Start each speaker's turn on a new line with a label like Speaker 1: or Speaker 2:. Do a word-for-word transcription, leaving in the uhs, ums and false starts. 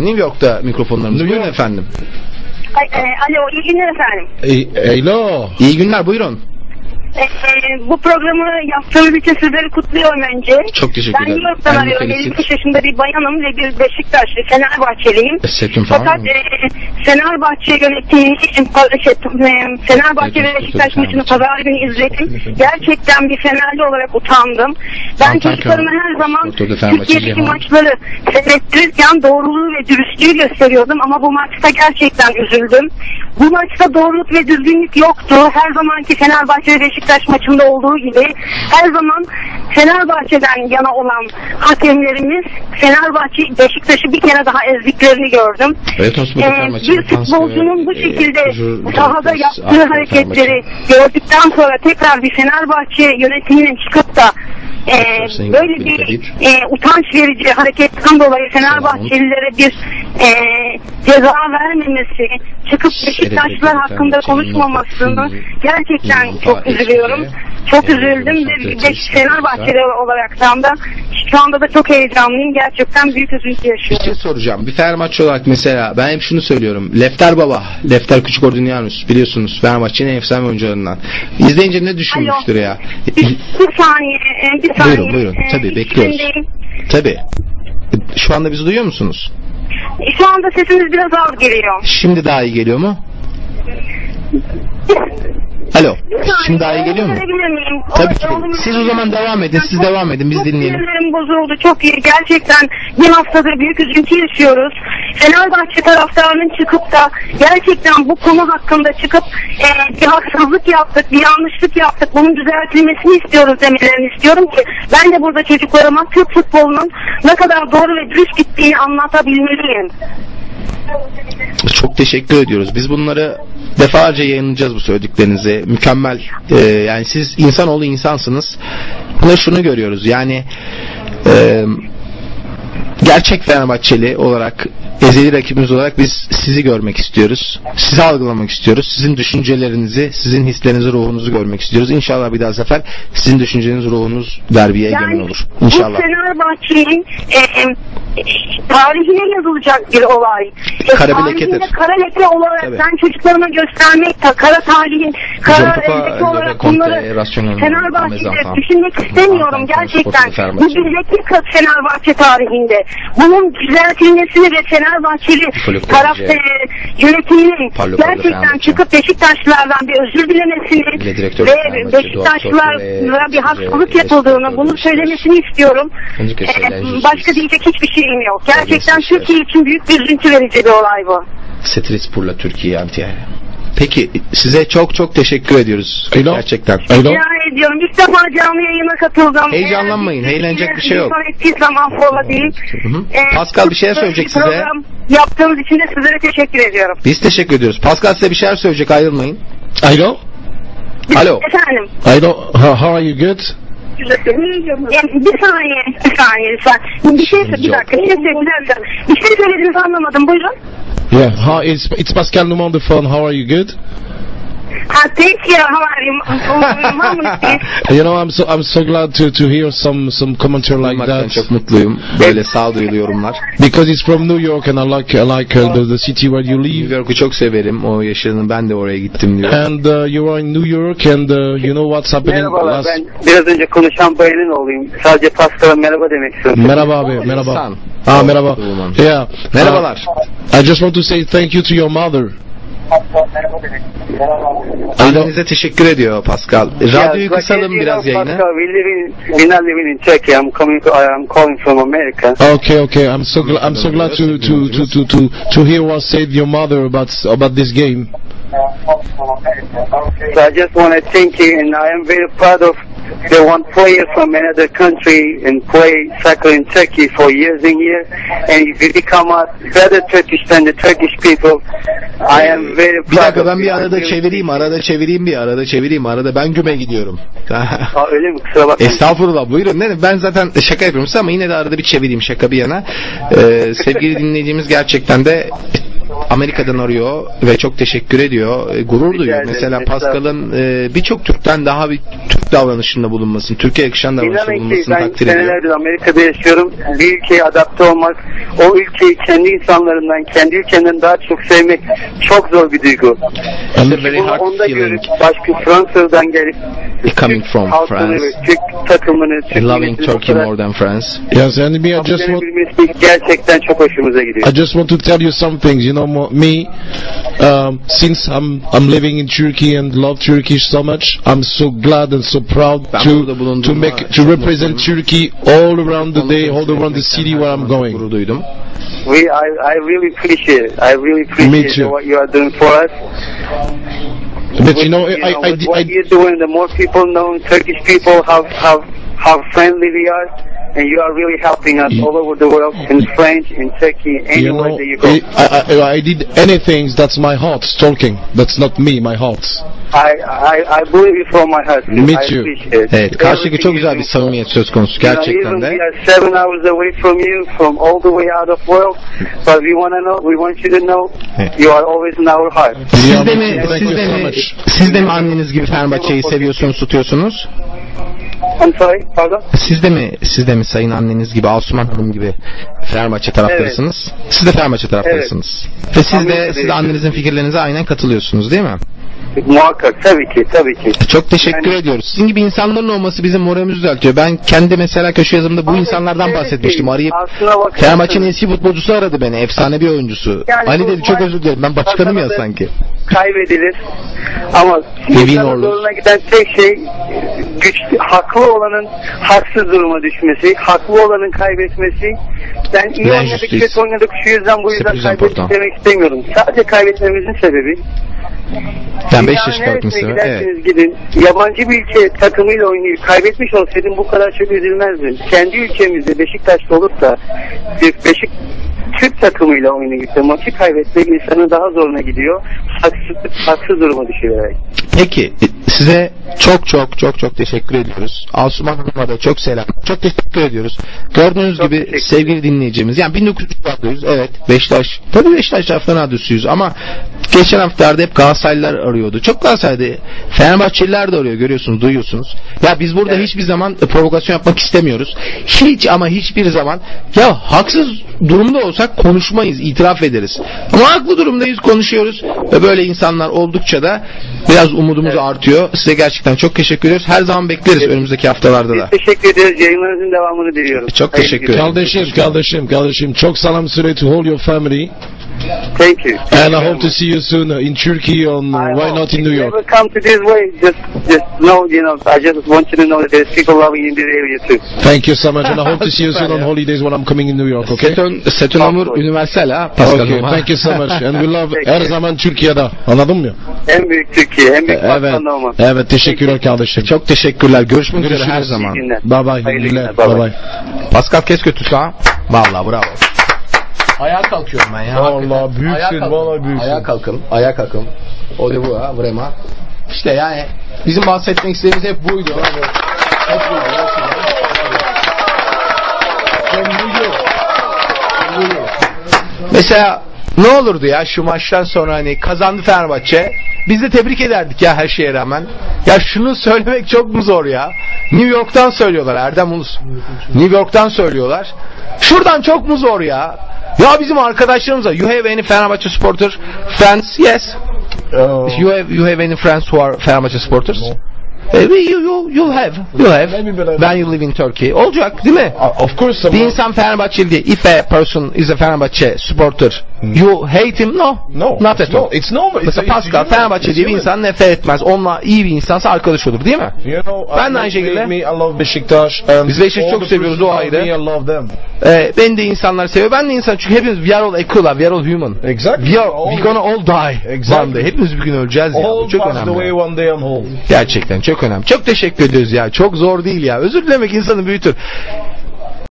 Speaker 1: New York'ta mikrofonlarımız. Buyurun efendim.
Speaker 2: Ay, e, alo, iyi günler efendim.
Speaker 3: Hello.
Speaker 1: İyi günler, buyurun.
Speaker 2: E, e, bu programı yaptığınız için sizleri kutluyorum önce.
Speaker 1: Çok teşekkür ederim.
Speaker 2: Ben New York'tan arıyorum. elli beş yaşında bir bayanım ve bir Beşiktaşlı, Fenerbahçeliyim.
Speaker 1: Seçim falan
Speaker 2: Fakat e, Fenerbahçe yönettiği için şey, Fenerbahçe ve Beşiktaş maçını pazar günü izledim. Gerçekten bir Fenerli olarak utandım. Ben çocuklarıma her zaman Türkiye'deki maçları seyrettirirken doğruluğu ve dürüstlüğü gösteriyordum ama bu maçta gerçekten üzüldüm. Bu maçta doğruluk ve düzgünlük yoktu. Her zamanki Fenerbahçe ve Beşiktaş maçında olduğu gibi her zaman Fenerbahçe'den yana olan hakemlerimiz Fenerbahçe Beşiktaş'ı bir kere daha ezdiklerini gördüm.
Speaker 1: Evet,
Speaker 2: ee, bir futbolcunun bu şekilde e, sahada yaptığı hareketleri gördükten sonra tekrar bir Fenerbahçe yönetiminin çıkıp da Ee, böyle bir e, utanç verici hareketten dolayı Fenerbahçelilere bir e, ceza vermemesi, çıkıp Beşiktaşlılar hakkında konuşmamasını gerçekten çok üzülüyorum. Çok üzüldüm ve bir de Fenerbahçeli olaraktan da şu anda da çok heyecanlıyım. Gerçekten büyük üzüntü yaşıyorum.
Speaker 1: Bir şey soracağım. Bir Fenerbahçe olarak mesela ben hep şunu söylüyorum. Lefter Baba, Lefter Küçükordinyanus biliyorsunuz Fenerbahçe'nin efsane oyuncularından. İzleyince ne düşünmüştür ya?
Speaker 2: Bir, bir saniye, bir saniye.
Speaker 1: Buyurun buyurun. Tabii bekliyoruz. Tabii. Şu anda bizi duyuyor musunuz?
Speaker 2: Şu anda sesiniz biraz az geliyor.
Speaker 1: Şimdi daha iyi geliyor mu? Alo. Şimdi daha iyi geliyor mu? Tabii ki. Siz o zaman devam edin. Siz devam edin. Biz dinleyelim.
Speaker 2: Sinirlerim bozuldu. Çok iyi. Gerçekten bir haftadır büyük üzüntü yaşıyoruz. Fenerbahçe taraftarının çıkıp da gerçekten bu konu hakkında çıkıp e, bir haksızlık yaptık, bir yanlışlık yaptık. Bunun düzeltilmesini istiyoruz demelerini istiyorum ki ben de burada çocuklarıma Türk futbolunun ne kadar doğru ve dürüst gittiğini anlatabilmeliyim.
Speaker 1: Çok teşekkür ediyoruz. Biz bunları defalarca yayınlayacağız bu söylediklerinizi. Mükemmel. Ee, yani siz insanoğlu insansınız. Buna şunu görüyoruz. Yani e, gerçek Fenerbahçeli olarak, ezeli rakibimiz olarak biz sizi görmek istiyoruz. Sizi algılamak istiyoruz. Sizin düşüncelerinizi, sizin hislerinizi, ruhunuzu görmek istiyoruz. İnşallah bir daha sefer sizin düşünceniz, ruhunuz derbiye
Speaker 2: yani,
Speaker 1: egemen olur. İnşallah.
Speaker 2: Bu Fenerbahçe'nin e, e, tarihine yazılacak bir olay. E,
Speaker 1: kara bir lekedir.
Speaker 2: Kara leke olarak Tabii. ben çocuklarıma göstermek, kara tarihin, kara leke olarak bunları Fenerbahçe'de düşünmek istemiyorum gerçekten. Bu bir leke Fenerbahçe tarihinde. Bunun düzeltilmesini ve Fenerbahçeli taraf e, yönetiminin gerçekten çıkıp Beşiktaşlılardan bir özür dilemesini ve Beşiktaşlılara bir haksızlık yapıldığını, bunu söylemesini istiyorum. Ee, başka diyecek hiçbir şeyim yok. Gerçekten Türkiye için büyük bir üzüntü verici bir olay bu.
Speaker 1: Setrisbur'la Türkiye antiye. Peki size çok çok teşekkür ediyoruz. Hello. Gerçekten.
Speaker 2: Rica ediyorum. İlk defa canlı yayına katıldım.
Speaker 1: Heyecanlanmayın. Eğlenecek bir şey yok.
Speaker 2: Hiçbir zaman fola değil.
Speaker 1: Ee, Pascal bir şeyler söyleyecek size.
Speaker 2: Yaptığınız için de sizlere teşekkür ediyorum.
Speaker 1: Biz teşekkür ediyoruz. Pascal size bir şeyler söyleyecek. Ayrılmayın.
Speaker 3: Alo.
Speaker 2: Alo. Efendim.
Speaker 3: Alo. How are you good?
Speaker 2: Bir saniye, bir saniye lütfen. Bir şey, bir dakika, bir şey söyleyeceğim. Bir şey söylediğinizi anlamadım. Buyurun.
Speaker 3: Yeah, hi, it's, it's Pascal Numa on the phone. How are you good?
Speaker 2: Uh, thank you. How are you?
Speaker 3: You know, I'm so I'm so glad to to hear some some commentary like that.
Speaker 1: Çok mutluyum. Böyle sağduyulu yorumlar.
Speaker 3: Because it's from New York and I like I like uh, the, the city where you live.
Speaker 1: New York'u çok severim. O yaşadığını ben de oraya gittim diyor.
Speaker 3: And uh, you are in New York and uh, you know what's happening.
Speaker 4: Merhabalar.
Speaker 3: Last...
Speaker 4: Ben biraz önce konuşan bayanın olayım. Sadece Pascal'a merhaba demek istiyorum.
Speaker 3: Merhaba abi. Merhaba. Ah merhaba. Yeah.
Speaker 1: Merhabalar.
Speaker 3: Uh, I just want to say thank you to your mother.
Speaker 1: Annenize teşekkür ediyor Pascal. Radyoyu kısalım biraz yayına.
Speaker 4: Pascal, we live in, we not living in Turkey. I'm coming to, I'm calling from America.
Speaker 3: Okay, okay. I'm so glad. I'm so glad to to to to to to hear what said your mother about about this game.
Speaker 4: So I just want to thank you, and I am very proud of the one player from another country and play soccer in Turkey for years and years, and if you become a better Turkish than the Turkish people, I am very proud.
Speaker 1: Bir dakika ben bir arada çevireyim, arada çevireyim bir arada çevireyim arada ben güme gidiyorum.
Speaker 4: Aa, öyle mi? Kusura bakmayın.
Speaker 1: Estağfurullah buyurun. Ne, ben zaten şaka yapıyorum ama yine de arada bir çevireyim şaka bir yana. Ee, sevgili dinleyicimiz gerçekten de Amerika'dan arıyor ve çok teşekkür ediyor. E, gurur duyuyor. Mesela Pascal'ın e, birçok Türk'ten daha bir Türk davranışında bulunmasını, Türkiye yakışan davranışında bulunmasını takdir ediyor.
Speaker 4: Ben senelerdir Amerika'da yaşıyorum. Bir ülkeye adapte olmak, o ülkeyi kendi insanlarından, kendi ülkenden daha çok sevmek çok zor bir duygu. Bunu onda görüp başka Fransa'dan gelip
Speaker 1: coming from France,
Speaker 4: Türk takımını, Türk
Speaker 1: loving Turkey more than France.
Speaker 3: Yes, and me, I just want,
Speaker 4: gerçekten çok hoşumuza gidiyor.
Speaker 3: I just want to tell you some things. You know, me, um, since I'm I'm living in Turkey and love Turkey so much, I'm so glad and so proud to to make to represent Turkey all around the day, all around the city where I'm going.
Speaker 4: We, I, I really appreciate it. I really appreciate what you are doing for us.
Speaker 3: But you know,
Speaker 4: you
Speaker 3: I,
Speaker 4: know
Speaker 3: I,
Speaker 4: what
Speaker 3: I,
Speaker 4: you're doing, the more people know Turkish people, how how how friendly we are, and you are really helping us all over the world, in French, in Turkey, anywhere
Speaker 3: you know,
Speaker 4: that you go.
Speaker 3: I, I, I did anything. That's my heart talking. That's not me, my heart.
Speaker 4: I, I, I believe you from my heart.
Speaker 3: Me
Speaker 4: I
Speaker 3: too.
Speaker 1: Evet, karşıdaki çok güzel bir samimiyet söz konusu gerçekten de.
Speaker 4: We are seven hours away from you, from all the way out of world, but we want to know, we want you to know, you are always in our heart.
Speaker 1: Siz de mi, siz de mi, siz de mi anneniz gibi Fenerbahçe'yi seviyorsunuz, tutuyorsunuz?
Speaker 4: I'm sorry, pardon?
Speaker 1: Siz de mi, siz de mi sayın anneniz gibi, Asuman Hanım gibi Fenerbahçe taraftarısınız? Evet. Siz de Fenerbahçe taraftarısınız. Evet. Ve siz de, siz de annenizin fikirlerinize aynen katılıyorsunuz değil mi?
Speaker 4: Muhakkak, tabii ki, tabii ki.
Speaker 1: Çok teşekkür yani, ediyoruz. Sizin gibi insanların olması bizim moralimizi düzeltiyor. Ben kendi mesela köşe yazımda bu insanlardan evet, bahsetmiştim. Arayıp Fenerbahçe'nin eski futbolcusu aradı beni. Efsane bir oyuncusu. Yani Ali dedi çok özür dilerim. Ben başkanım ya sanki.
Speaker 4: Kaybedilir. Ama insanın zoruna giden tek şey güçlü, haklı olanın haksız duruma düşmesi, haklı olanın kaybetmesi. Ben iyi oynadık, kötü oynadık, şu yüzden bu yüzden kaybettik demek istemiyorum. Sadece kaybetmemizin sebebi
Speaker 1: yani beş yaş kalkmışsın. Evet.
Speaker 4: Gidin. Yabancı bir ülke takımıyla oynayıp kaybetmiş olsaydım bu kadar çok üzülmezdim. Kendi ülkemizde Beşiktaş'ta olup da Beşik Türk takımıyla oynayıp da maçı kaybetmek insanın daha zoruna gidiyor. Haksız, haksız duruma düşüyor.
Speaker 1: Peki size çok çok çok çok teşekkür ediyoruz. Asuman Hanım'a da çok selam. Çok teşekkür ediyoruz. Gördüğünüz çok gibi sevgili dinleyicimiz. Yani bin dokuz yüz radyosuyuz. Evet. Beşiktaş. Tabii Beşiktaş taraftan radyosuyuz ama geçen haftalarda hep Galatasaraylılar arıyordu. Çok Galatasaray'da Fenerbahçeliler de arıyor. Görüyorsunuz, duyuyorsunuz. Ya biz burada evet. hiçbir zaman provokasyon yapmak istemiyoruz. Hiç ama hiçbir zaman ya haksız durumda olsak konuşmayız, itiraf ederiz. Ama haklı durumdayız, konuşuyoruz ve böyle insanlar oldukça da biraz umudumuz evet. artıyor. Size gerçekten çok teşekkür ediyoruz. Her zaman bekleriz evet. önümüzdeki haftalarda da.
Speaker 4: Biz teşekkür ederiz. Yayınlarınızın devamını diliyorum.
Speaker 1: Çok Hayır, teşekkür ederim.
Speaker 3: Kardeşim, kardeşim, kardeşim. Çok selam söyle to all your family.
Speaker 4: Thank you. Thank
Speaker 3: and
Speaker 4: you
Speaker 3: I hope much. to see you soon in Turkey on uh, why not in New York.
Speaker 4: If you ever come to this way, just just know, you know, I just want you to know that there's people loving you in this area too.
Speaker 3: Thank you so much, and I hope to see you soon on holidays when I'm coming in New York. Okay?
Speaker 1: C'est un amour universel ha. Pascal.
Speaker 3: Okay, thank you so much, and we love her zaman Türkiye'de. Anladın mı?
Speaker 4: En büyük Türkiye, en büyük Pakistan'da olmak.
Speaker 3: Evet, teşekkürler kardeşim.
Speaker 1: Çok teşekkürler. Görüşmek üzere her zaman.
Speaker 3: Bye bye. Bye bye.
Speaker 1: Pascal kes kötüsü ha. Vallahi bravo. Ayağa kalkıyorum ben ya.
Speaker 3: Allah büyüksün, vallahi büyüksün.
Speaker 1: Ayağa kalkalım, ayağa kalkalım. O da bu ha, vraiment. İşte yani bizim bahsetmek istediğimiz hep buydu. Hep buydu. Mesela ne olurdu ya şu maçtan sonra hani kazandı Fenerbahçe. Biz de tebrik ederdik ya her şeye rağmen. Ya şunu söylemek çok mu zor ya? New York'tan söylüyorlar Erdem Ulus. New York'tan söylüyorlar. Şuradan çok mu zor ya? Ya bizim arkadaşlarımız var. You have any Fenerbahçe supporter friends? Yes. Uh, you have you have any friends who are Fenerbahçe supporters? No. Uh, you you you have you have when you live in Turkey. Olacak değil mi?
Speaker 3: Uh, of course.
Speaker 1: Bir insan Fenerbahçeli diye. If a person is a Fenerbahçe supporter, hmm. you hate him? No.
Speaker 3: No.
Speaker 1: Not at
Speaker 3: no,
Speaker 1: all.
Speaker 3: It's normal.
Speaker 1: Mesela it's, Pascal Fenerbahçe diye bir insan nefret etmez. Onunla iyi bir insansa arkadaş olur değil mi?
Speaker 3: You know,
Speaker 1: ben de aynı şekilde.
Speaker 3: Me, I love Beşiktaş.
Speaker 1: Biz Beşiktaş'ı çok seviyoruz, o ayrı.
Speaker 3: Me, I love them.
Speaker 1: Ee, ben de insanlar seviyor. Ben de insan çünkü hepimiz we are all equal, we are all human.
Speaker 3: Exactly.
Speaker 1: We are all, we gonna all die. Exactly. Hepimiz bir gün öleceğiz ya.
Speaker 3: All
Speaker 1: çok
Speaker 3: pass
Speaker 1: önemli.
Speaker 3: Away one day on hold.
Speaker 1: Gerçekten çok önemli. Çok teşekkür ediyoruz ya. Çok zor değil ya. Özür dilemek insanı büyütür.